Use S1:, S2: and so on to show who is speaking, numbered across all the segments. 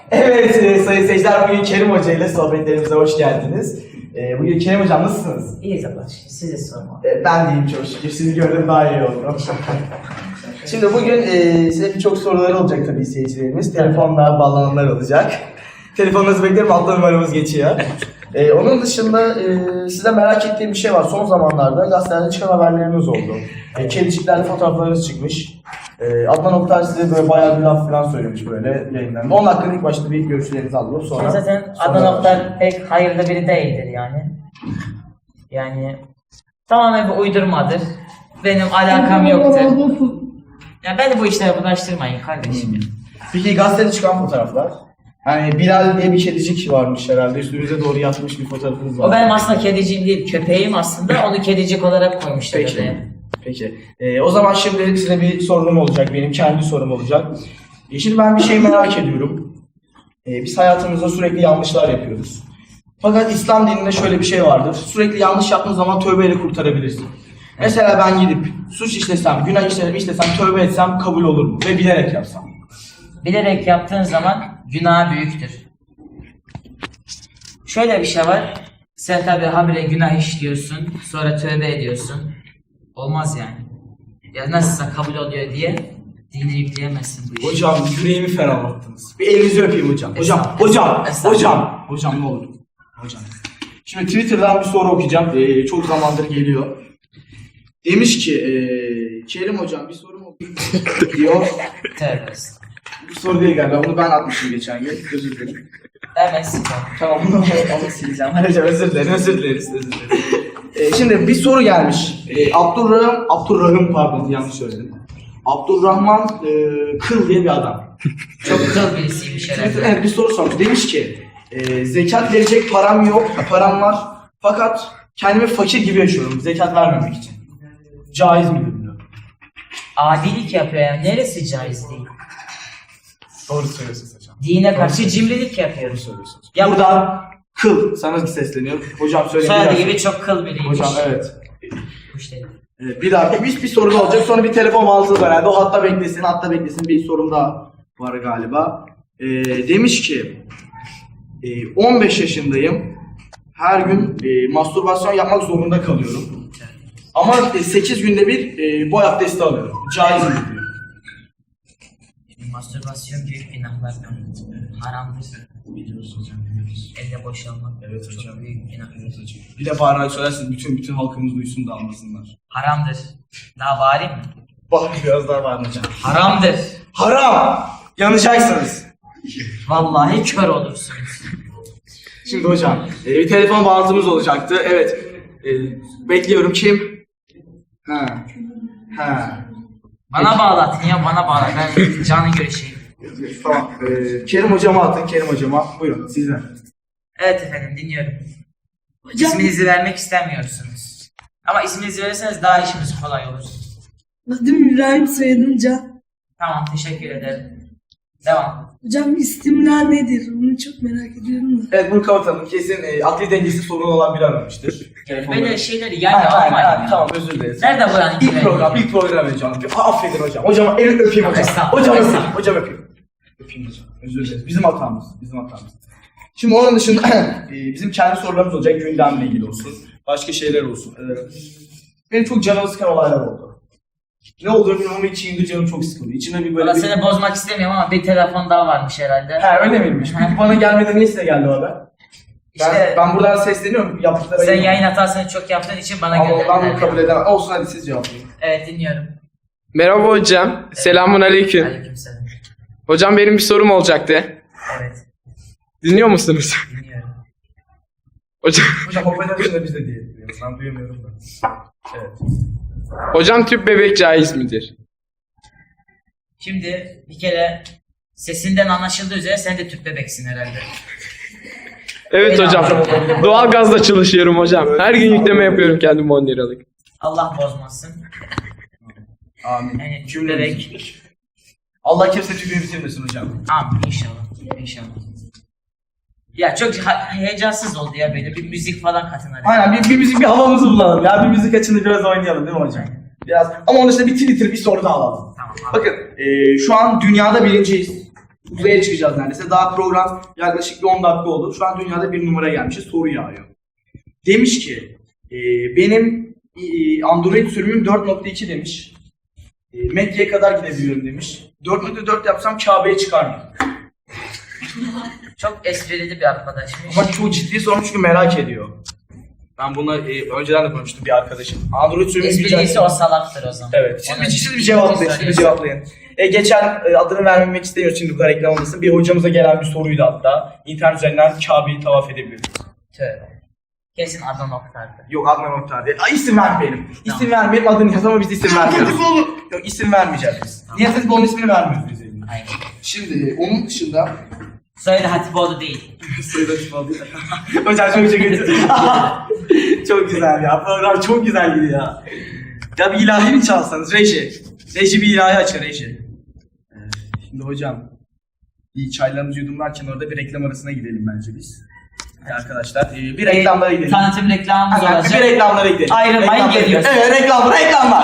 S1: Evet sayın seyirciler, bugün Kerim Hoca ile sohbetlerimize hoş geldiniz. Bugün Kerim Hocam nasılsınız?
S2: İyiyiz Allah'a şükür, size sorma.
S1: Ben de iyiyim çok şükür, sizi gördüm daha iyi oldum. Şimdi bugün size birçok soruları olacak tabii seyircilerimiz. Telefonla bağlananlar olacak. Telefonunuzu beklerim, altta numaramız geçiyor. Onun dışında size merak ettiğim bir şey var. Son zamanlarda gazetelerde çıkan haberleriniz oldu. Kediciklerle fotoğraflarınız çıkmış. Adnan Oktar size böyle bayağı bir laf falan söylemiş böyle yayınlarında. Onun hakkında ilk başta bir görüşlerinizi alalım. Sonra
S2: Zaten Adnan Oktar pek hayırlı biri değildir yani. Yani tamamen bir uydurmadır. Benim alakam yoktur. Ya beni bu işlere bulaştırmayın kardeşim.
S1: Peki gazetede çıkan fotoğraflar? Hani Bilal diye bir kedicik varmış herhalde. Üstünüze doğru yatmış bir fotoğrafınız var.
S2: O benim aslında kediciğim değil, köpeğim aslında. Onu kedicik olarak koymuşlar oraya.
S1: Peki. O zaman şimdi size bir sorum olacak. Benim kendi sorum olacak. Şimdi ben bir şey merak ediyorum. Biz hayatımızda sürekli yanlışlar yapıyoruz. Fakat İslam dininde şöyle bir şey vardır. Sürekli yanlış yaptığın zaman tövbeyle kurtarabilirsin. Mesela ben gidip suç işlesem, günah işlesem, tövbe etsem kabul olur mu? Ve bilerek yapsam.
S2: Bilerek yaptığın zaman günah büyüktür. Şöyle bir şey var. Sen tabi habire günah işliyorsun, sonra tövbe ediyorsun. Olmaz yani. Ya nasılsa kabul oluyor diye dini yükleyemezsin bu işi.
S1: Hocam yüreğimi ferahlattınız. Bir elinizi öpeyim hocam. Hocam ne olur. Hocam. Şimdi Twitter'dan bir soru okuyacağım. Çok zamandır geliyor. Demiş ki, Kerim hocam bir sorum oldu diyor.
S2: Tövbe.
S1: Bu soru değil galiba. Bunu ben atmışım geçen gün. Özür dilerim.
S2: Hemen sileceğim.
S1: Tamam onu sileceğim. Hocam özür dileriz. Şimdi bir soru gelmiş. Abdurrahim pardon yanlış söyledim. Abdurrahman Kıl diye bir adam.
S2: Çok kıl birisiymiş herhalde.
S1: Evet bir soru sormuş. Demiş ki zekat verecek param yok, param var. Fakat kendimi fakir gibi yaşıyorum zekat vermemek için. Caiz midir diyor.
S2: Adilik yapıyor yani. Neresi caiz değil?
S1: Doğru söylüyorsunuz hocam.
S2: Dine karşı cimrilik yapıyor.
S1: Doğru söylüyorsunuz.
S2: Ya
S1: buradan Kıl sana sesleniyor. Hocam söyle.
S2: Soyadı gibi çok kıl biriymiş.
S1: Hocam evet.
S2: Kuş dedi.
S1: Bir daha bir soru da olacak. Sonra bir telefon bağlantısı var herhalde. O hatta beklesin. Bir sorum daha var galiba. Demiş ki 15 yaşındayım. Her gün mastürbasyon yapmak zorunda kalıyorum. Ama 8 günde bir boy abdesti alıyorum. Caiz mi diyor.
S2: Mastürbasyon büyük günahlardan haramdır.
S1: Biliyoruz hocam biliyoruz.
S2: Elle boşalmak
S1: Evet hocam.
S2: çok büyük günahdır.
S1: Bir de bağırarak söylersiniz bütün halkımız duysun da anlasınlar.
S2: Haramdır. Daha bağırayım mı?
S1: Bak biraz daha var hocam.
S2: Haramdır.
S1: Haram! Yanacaksınız.
S2: Vallahi kör olursunuz.
S1: Şimdi hocam bir telefon bağlantımız olacaktı. Evet. Bekliyorum kim? Ha.
S2: Bana bağlatın ya bana bağlat. Ben canı görüşeyim.
S1: Tamam. Kerim hocama atın. Kerim hocama. Buyurun sizden.
S2: Evet efendim dinliyorum.
S3: Hocam,
S2: İsminizi vermek istemiyorsunuz. Ama isminizi verirseniz daha işimiz kolay olur.
S3: adım İbrahim, soyadım Can.
S2: Tamam teşekkür ederim. Devam.
S3: Hocam isimler nedir? Onu çok merak ediyorum da.
S1: Evet bunu kapatalım. Kesin akli dengesi sorunu olan biri aramıştır.
S2: Böyle şeyleri yani almayın ya.
S1: Tamam özür dileriz.
S2: Nerede buranın
S1: İlk program hocam. Affedin hocam. Hocam elini öpeyim hocam.
S2: Estağfurullah.
S1: Hocam öpeyim. Öpeyim hocam. Özür dileriz. Bizim hatamız. Şimdi onun dışında bizim kendi sorularımız olacak. Gündemle ilgili olsun. Başka şeyler olsun. Benim çok canımı sıkan olaylar oldu. Ne olduğunu bilmiyorum ama içimde canım çok sıkıldı. İçime bir böyle
S2: Valla seni bozmak istemiyorum ama bir telefon daha varmış herhalde.
S1: He öyle miymiş? Peki bana gelmeden niye size geldi o haber?
S2: İşte
S1: Ben buradan sesleniyorum. Yaptıkları
S2: sen yayın hatasını çok yaptığın için bana
S1: ama ben bunu
S2: gönderdiler.
S1: kabul edemem. Olsun hadi siz cevaplayın.
S2: Evet dinliyorum.
S4: Merhaba hocam. Selamun aleyküm.
S2: Aleykümselam.
S4: Hocam benim bir sorum olacaktı.
S2: Evet
S4: Dinliyor musunuz?
S2: dinliyorum.
S4: Hocam,
S1: Hocam hoparlör dışında biz de diyelim. Ben duyamıyorum da. Evet.
S4: hocam tüp bebek caiz midir?
S2: Şimdi bir kere sesinden anlaşıldığı üzere sen de tüp bebeksin herhalde.
S4: Evet hocam. Doğal gazla çalışıyorum hocam. Her gün yükleme yapıyorum kendim 10 liralık.
S2: Allah bozmasın.
S1: Amin.
S2: Yani tüp bebek.
S1: Allah kimse tüpünü bitirmesin hocam.
S2: Amin inşallah. İnşallah. Ya çok heyecansız oldu ya böyle bir müzik falan katın hadi.
S1: Aynen bir müzik bir havamızı bulalım ya. Bir müzik açını biraz oynayalım değil mi hocam? Biraz ama onun dışında bir Twitter bir soru da alalım.
S2: Tamam.
S1: Bakın şu an dünyada birinciyiz. Uzaya çıkacağız neredeyse. Daha program yaklaşık bir 10 dakika oldu. Şu an dünyada bir numara gelmişiz. Soru yağıyor. Demiş ki benim Android sürümüm 4.2 demiş. Mekke'ye kadar gidebiliyorum demiş. 4.4 yapsam Kabe'ye çıkar mı?
S2: Çok esprili bir arkadaşmış.
S1: Ama çok ciddi sormuş çünkü merak ediyor. Ben bunu önceden de konuştum bir arkadaşım. Android sürümü
S2: Espriyse o salaktır o zaman.
S1: Evet. Siz bir cevaplayın. Siz bir cevaplayın. Geçen adını vermemek istemiyoruz şimdi bu kadar reklam olmasın. Bir hocamıza gelen bir soruydu hatta. İnternet üzerinden Kabe'yi tavaf edebilir miyiz?
S2: Tövbe. Kesin Adnan Oktar'dı.
S1: Yok Adnan Oktar değil. İsim vermeyelim. İsim vermeyelim, adını yaz ama biz isim vermiyoruz. Yok isim vermeyeceğiz biz. Niye siz onun ismini vermiyoruz biz elinde?
S2: Aynen.
S1: Şimdi onun dışında...
S2: Soyadı Hatipoğlu değil.
S1: Sayıda çıkmadı. Hocam çok kötü. Çok güzel ya. Program çok güzel gidiyor ya. Ya bir ilahi mi çalsanız? Reji. Reji bir ilahi açar Reji. Şimdi hocam. Bir çaylarımızı yudumlarken orada bir reklam arasına gidelim bence biz. Hadi arkadaşlar bir reklamlara gidelim.
S2: Tanıtım reklamımız
S1: Hemen
S2: olacak.
S1: bir reklamlara gidelim.
S2: Ayrılmayın,
S1: Reklamlara
S2: geliyoruz.
S1: gidelim. Evet reklamlar.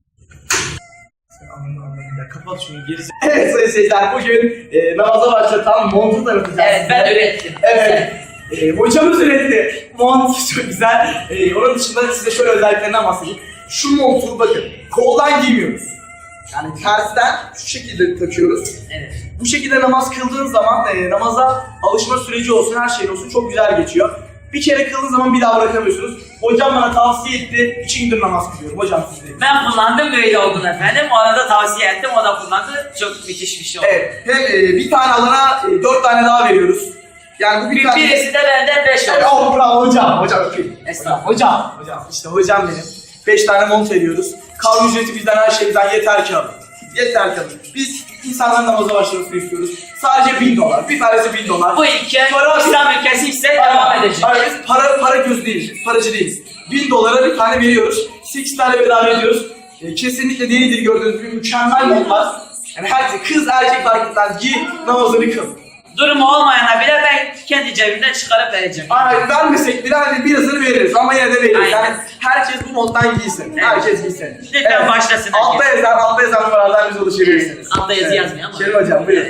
S1: Ya kapat şunu gerisi. Evet sayın seyirciler bugün namaza başlatan montu tanıtacağız.
S2: Evet ben ürettim.
S1: Evet. Hocamız üretti. Mont çok güzel. Onun dışında size şöyle özelliklerinden bahsedeyim. Şu montu bakın koldan giymiyoruz. Yani tersten şu şekilde takıyoruz.
S2: Evet.
S1: Bu şekilde namaz kıldığın zaman namaza alışma süreci olsun, her şey olsun çok güzel geçiyor. Bir kere kıldığın zaman bir daha bırakamıyorsunuz. Hocam bana tavsiye etti. 2 gündür namaz kılıyorum. Hocam siz de.
S2: Ben kullandım böyle oldu efendim. Ona da tavsiye ettim. O da kullandı. Çok müthiş bir şey oldu.
S1: Evet. Hem bir tane alana 4 tane daha veriyoruz. Yani bu bir tane...
S2: Birisi de benden 5 oldu.
S1: Oh bravo hocam. Hocam öpeyim.
S2: Estağfurullah.
S1: Hocam. İşte hocam benim. 5 tane mont veriyoruz. Kavga ücreti bizden her şeyden yeter ki alın. Yeter ki alın. Biz insanların namaza başlamasını istiyoruz. Sadece $1000. Bir tanesi $1000.
S2: Bu ülke İslam ülkesi ise devam edecek.
S1: Hayır biz para göz değiliz. Biz paracı değiliz. $1000 bir tane veriyoruz. 8 tane bedava ediyoruz. Kesinlikle delidir gördüğünüz gibi mükemmel montlar. Yani herkes kız erkek fark etmez. Giy namazını kıl.
S2: Durumu olmayana bile ben kendi cebimden çıkarıp vereceğim.
S1: Aynen vermesek bile hani birazını veririz ama yine de veririz.
S2: Aynen.
S1: Yani herkes bu monttan giysin.
S2: Evet.
S1: Herkes giysin.
S2: Lütfen başlasın
S1: Altta
S2: herkes.
S1: yazan numaralardan bize ulaşabilirsiniz.
S2: Altta yazı yazmıyor ama.
S1: Kerim hocam buyurun.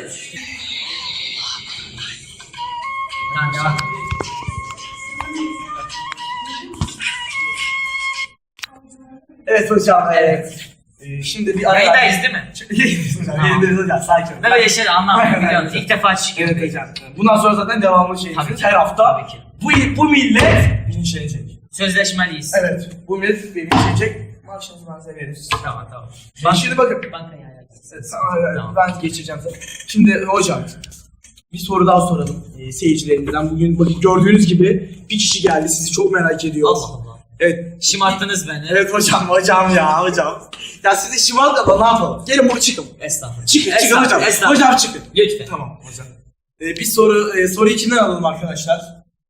S2: Tamam, devam.
S1: Evet hocam. Şimdi bir ara...
S2: Yayındayız değil mi?
S1: Yayındayız hocam sakin olun.
S2: Ben böyle şeyler anlamam
S1: Aynen,
S2: biliyorsunuz.
S1: aynen.
S2: İlk defa çıkıyorum.
S1: Evet hocam. Bundan sonra zaten devamlı şeyimiz.
S2: Tabii ki.
S1: Her hafta
S2: Tabii ki.
S1: bu millet bilinçlenecek.
S2: Sözleşmeliyiz.
S1: Evet. Bu millet bilinçlenecek. Maaşınızı ben size veririz.
S2: Tamam.
S1: Şimdi bakın.
S2: Bankaya ayarlayacağız.
S1: Tamam. Ben geçeceğim sana. Şimdi hocam bir soru daha soralım seyircilerimizden. Bugün bakın gördüğünüz gibi bir kişi geldi. Sizi çok merak ediyoruz.
S2: Allah Allah.
S1: Evet.
S2: Şımarttınız beni.
S1: Evet hocam ya hocam. Ya sizi şımart da ne yapalım? Gelin buraya çıkın.
S2: Estağfurullah.
S1: Çıkın hocam.
S2: Estağfurullah.
S1: Hocam çıkın.
S2: Lütfen.
S1: Tamam hocam. Bir soru içinden alalım arkadaşlar.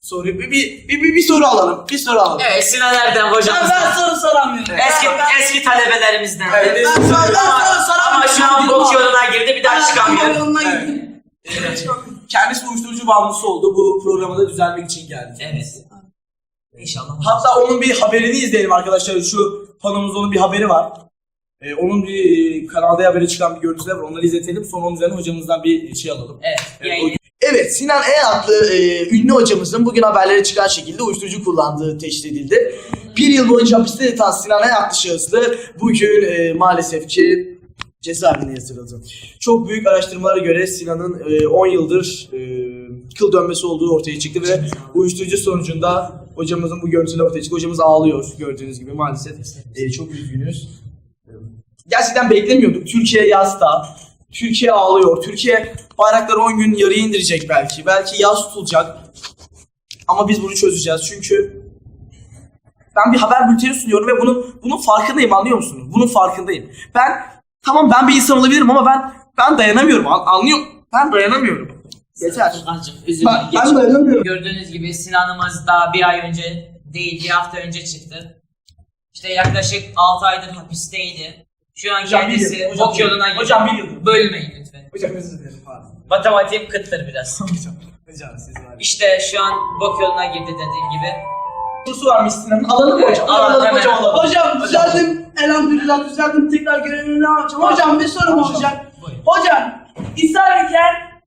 S1: Bir soru alalım. Bir soru alalım.
S2: Evet Sinan Erdem hocamız.
S3: Ben soru soramıyorum.
S2: Eski talebelerimizden.
S1: Evet.
S3: Ben soru soramıyorum.
S2: Ama şu an bok yoluna girdi bir daha çıkamıyor.
S3: Yoluna
S1: Evet.
S3: gideyim.
S1: Kendisi uyuşturucu bağımlısı oldu. Bu programa da düzelmek için geldi.
S2: Evet. İnşallah.
S1: Hatta onun bir haberini izleyelim arkadaşlar. Şu panomuzda onun bir haberi var. Onun bir kanalda haberi çıkan bir görüntüler var. Onları izletelim. Sonra onun üzerine hocamızdan bir şey alalım.
S2: Evet. Yayın.
S1: Evet, Sinan E adlı ünlü hocamızın bugün haberlere çıkan şekilde uyuşturucu kullandığı teşhis edildi. 1 yıl boyunca hapiste yatan Sinan E adlı şahıslı bugün maalesef ki cezaevine yatırıldı. Çok büyük araştırmalara göre Sinan'ın 10 yıldır kıl dönmesi olduğu ortaya çıktı ve uyuşturucu sonucunda hocamızın bu görüntüleri ortaya çıktı. Hocamız ağlıyor gördüğünüz gibi maalesef. Çok üzgünüz. Gerçekten beklemiyorduk. Türkiye yasta. Türkiye ağlıyor. Türkiye bayrakları 10 gün yarıya indirecek belki. Belki yaz tutulacak. Ama biz bunu çözeceğiz. Çünkü ben bir haber bülteni sunuyorum ve bunun farkındayım, anlıyor musunuz? Bunun farkındayım. Ben bir insan olabilirim ama ben dayanamıyorum. Anlıyor musun? Ben dayanamıyorum. Yeter.
S2: Furkancığım üzülme.
S1: Ben dayanamıyorum.
S2: Gördüğünüz gibi Sinan'ımız daha bir ay önce değil, bir hafta önce çıktı. İşte yaklaşık 6 aydır hapisteydi. Şu an
S1: Hocam,
S2: kendisi
S1: bir yıl, hocam,
S2: bok yoluna girdi.
S1: hocam, bir yıl.
S2: Bölmeyin lütfen.
S1: Hocam özür dilerim. Pardon.
S2: Matematiğim kıttır biraz.
S1: Hocam siz var.
S2: İşte şu an bok yoluna girdi dediğim gibi.
S1: Sorusu varmış Sinan'ın. Alalım mı
S2: Evet,
S1: hocam?
S2: alalım,
S1: Alalım
S2: hemen.
S1: hocam alalım.
S3: Hocam düzeldim. Elhamdülillah düzeldim. Tekrar görevime devam edeceğim. Hocam bir sorum olacak.
S2: Buyurun.
S3: Hocam ishal ederken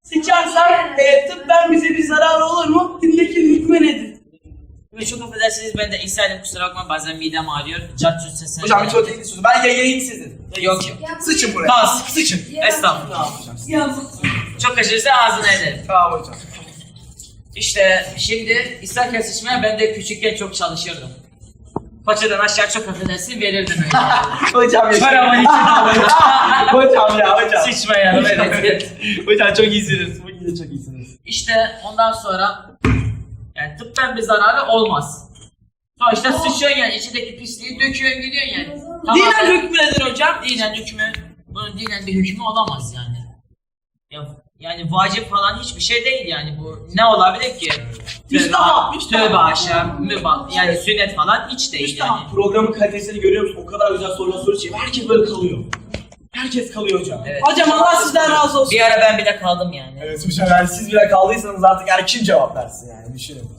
S3: sıçarsak tıbben bize bir zararı olur mu? Dindeki hükmü nedir?
S2: Ve çok affedersiniz ben de ishal kusura bakma bazen midem ağrıyor. Cart sesler.
S1: Hocam hiç o değil sözü. Ben yayın sizin.
S2: Yok.
S1: Sıçın buraya.
S2: Kas.
S1: Sıçın.
S2: Estağfurullah.
S1: Tamam hocam.
S3: Yazık.
S2: Çok kaçırırsa ağzına ederim.
S1: Tamam hocam.
S2: İşte şimdi ishal kesişmeye ben de küçükken çok çalışırdım. Paçadan aşağı çok affedersin verirdim öyle.
S1: Hocam
S2: Paramın içine alırdım.
S1: Hocam ya hocam.
S2: Sıçmayalım evet.
S1: Hocam çok iyisiniz. Bugün de çok iyisiniz.
S2: İşte ondan sonra yani tıbben bir zararı olmaz. Sonuçta sıçıyorsun yani içindeki pisliği döküyorsun gidiyorsun yani.
S3: Dinen hükmü nedir hocam?
S2: Dinen hükmü, bunun dinen bir hükmü olamaz yani. Yani vacip falan hiçbir şey değil yani bu. Ne olabilir ki?
S3: Müstahap,
S2: Tövbe aşağı, mübah, yani sünnet falan hiç değil yani.
S1: Programın kalitesini görüyor musun? O kadar güzel sorular soruyor. Herkes böyle kalıyor. Herkes kalıyor hocam.
S2: Evet.
S3: Hocam Allah sizden razı olsun.
S2: Bir ara ben bile kaldım yani.
S1: Evet hocam yani siz bile kaldıysanız artık yani kim cevap versin yani düşünün.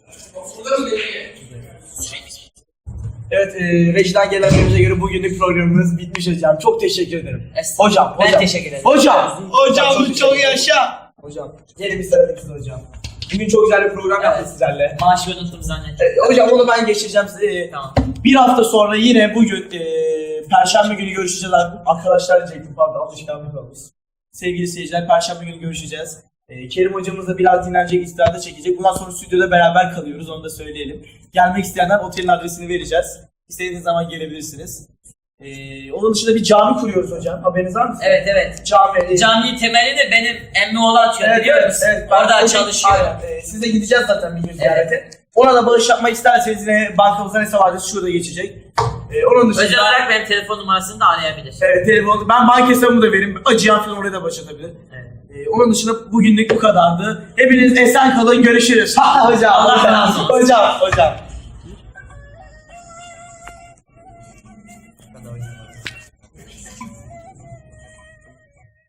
S1: Evet rejiden gelen bilgiye göre bugünlük programımız bitmiş hocam. Çok teşekkür ederim.
S2: Estağfurullah.
S1: Hocam.
S2: Ben teşekkür ederim.
S1: Hocam.
S3: Hocam çok yaşa.
S1: Hocam. Gelin bir sarılın hocam. Bugün çok güzel bir program yaptık sizlerle.
S2: Maaşı unuttum zannettim.
S1: Hocam onu ben geçireceğim size.
S2: Tamam.
S1: Bir hafta sonra yine bugün Perşembe günü görüşeceğiz arkadaşlar diyecektim pardon alışkanlık olmuş. Sevgili seyirciler Perşembe günü görüşeceğiz. Kerim hocamızla biraz dinlenecek, istirahata çekecek. Bundan sonra stüdyoda beraber kalıyoruz onu da söyleyelim. Gelmek isteyenler otelin adresini vereceğiz. İstediğiniz zaman gelebilirsiniz. Onun dışında bir cami kuruyoruz hocam. Haberiniz var mı?
S2: Evet.
S1: Cami.
S2: Cami temeli de benim emmi oğlu atıyor
S1: Evet,
S2: biliyor
S1: evet,
S2: musun?
S1: evet. Ben
S2: Orada
S1: o gün-
S2: çalışıyor.
S1: Aynen. Siz de gideceğiz zaten bir gün ziyarete. Ona da bağış yapmak isterseniz yine bankamızdan hesap adresi şurada geçecek. Onun dışında...
S2: Özel olarak benim telefon numarasını da arayabilir.
S1: Evet telefon. Ben banka hesabımı da vereyim. Acıyan falan oraya da başlatabilir.
S2: Evet.
S1: Onun dışında bugünlük bu kadardı. Hepiniz esen kalın görüşürüz. Hocam.
S2: Allah razı olsun.
S1: Hocam.